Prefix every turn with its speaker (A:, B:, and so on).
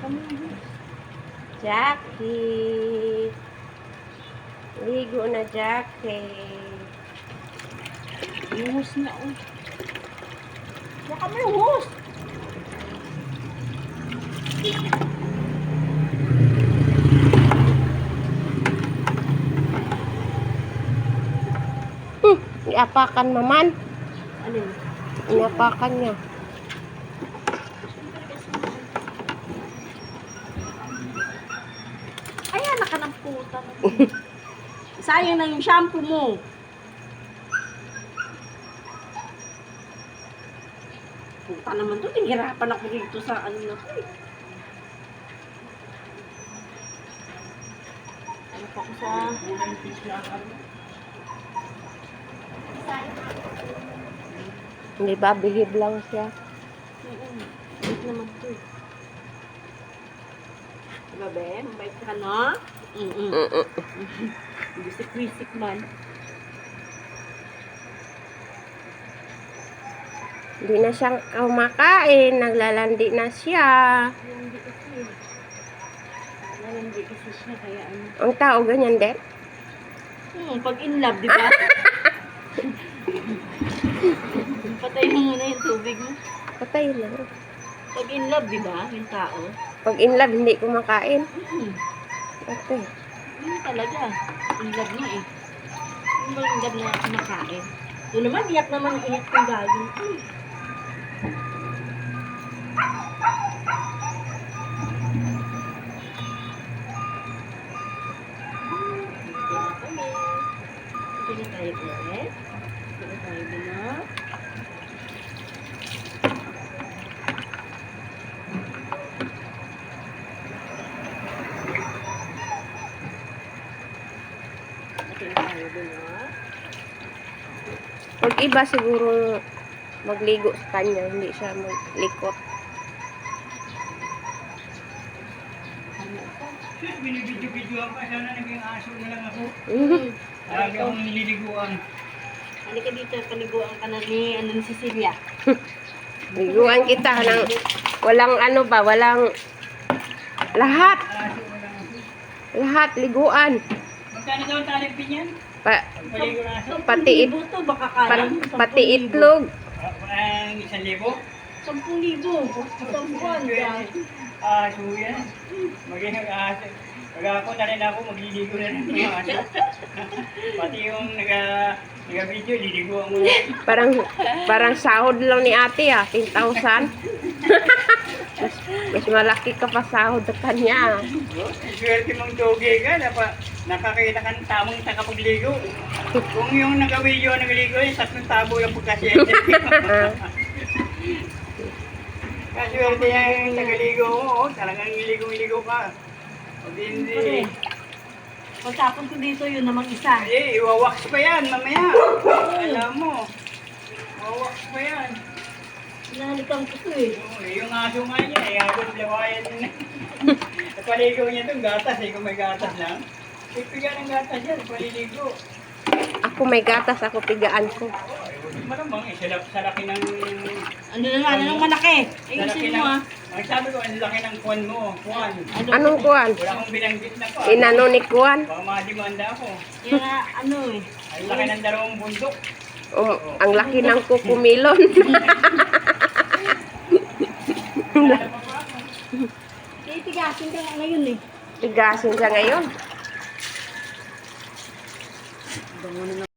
A: Jackie. Ligo na, Jackie.
B: Luhos na, oh. Baka may luhos.
A: Iapakan naman.
B: Ano yun?
A: Iapakan niya.
B: Ay, anak ka ng puta. Sayang na yung shampoo mo. Puta naman to, tinghirapan ako dito sa ano na to eh. Ano pa ko sa...
A: Hindi ba? Bihib lang siya.
B: Bait naman to eh. Diba, be? Mabait ka, no? Bisik-bisik man.
A: Hindi na siyang kumakain. Naglalandi na siya.
B: Hindi kasi. Hindi kasi siya, kaya ano.
A: Ang tao ganyan din.
B: Pag in love, di ba? Patay mo muna yung tubig mo.
A: Patay na.
B: Pag in love, di ba? Yung tao.
A: Pag in love, hindi kumakain. Okay.
B: Yun talaga. In love na eh. Yung ba in love na kumakain? Doon naman, iyak naman ang iyak ng gagawin. Hindi na tayo ulit. Hindi na tayo binak. Hindi na tayo binak.
A: Pag iba siguro magligo sa kanya, hindi siya maglikot.
C: Binibidyo-bidyoan pa, sana naging aso na lang ako.
A: Mhm.
C: Lagi akong nililiguan.
B: Halika dito, paliguan ka na ni, ni Cecilia.
A: Liguan kita ng walang ano ba, walang lahat.
C: Aso na lang ako.
A: Lahat liguan.
C: Magkano daw ang talipin yan? Paligo na aso?
A: Pati
B: 10,000 to, baka kaya.
A: pati itlog.
C: Ang 1,000?
B: 10,000. Isang buwan, guys.
C: Aso yan. Magiging aso. Pag ako na rin ako, magliligo na rin ng aso. Pati yung nag-video, liliguan mo na.
A: Parang sahod lang ni ate 10,000. mas malaki ka pa sahod sa kanya.
C: Swerte mong doge ka, nakakita ka ng tamang takapagligo. Kung yung nag-video nagligo, yung 3 tabo yung pagkasyente. Kaswerte yung nagaligo mo, talagang iligo-iligo ka. Pag hindi,
B: Pagtapon ko dito, yun namang isa.
C: iwawax pa yan mamaya. Alam mo, iwawax pa yan.
B: Hinahalikan ko to eh.
C: Yung aso nga niya, habang lawayan niya. At paligo niya itong gatas kung may gatas lang. Pipigan ng gatas yan, paliligo.
A: Ako may gatas, ako pigaan ko.
C: Malamang, sa laki ng...
B: Ano naman, anong malaki?
C: Sa laki
B: Ayusin
C: ng...
B: mo ah.
C: Ang sabi ko, ang laki ng kuwan mo. Kuwan.
A: Anong kuwan?
C: Wala akong binanggit na kuwan.
A: Inano ni kuwan?
C: Baka madimanda ako.
B: Yan nga, ano eh.
C: Ang laki ng 2 bundok.
A: Ang laki ng kukumilon.
B: Titigasin ka nga ngayon eh.
A: Tigasin siya ngayon.
B: Bango na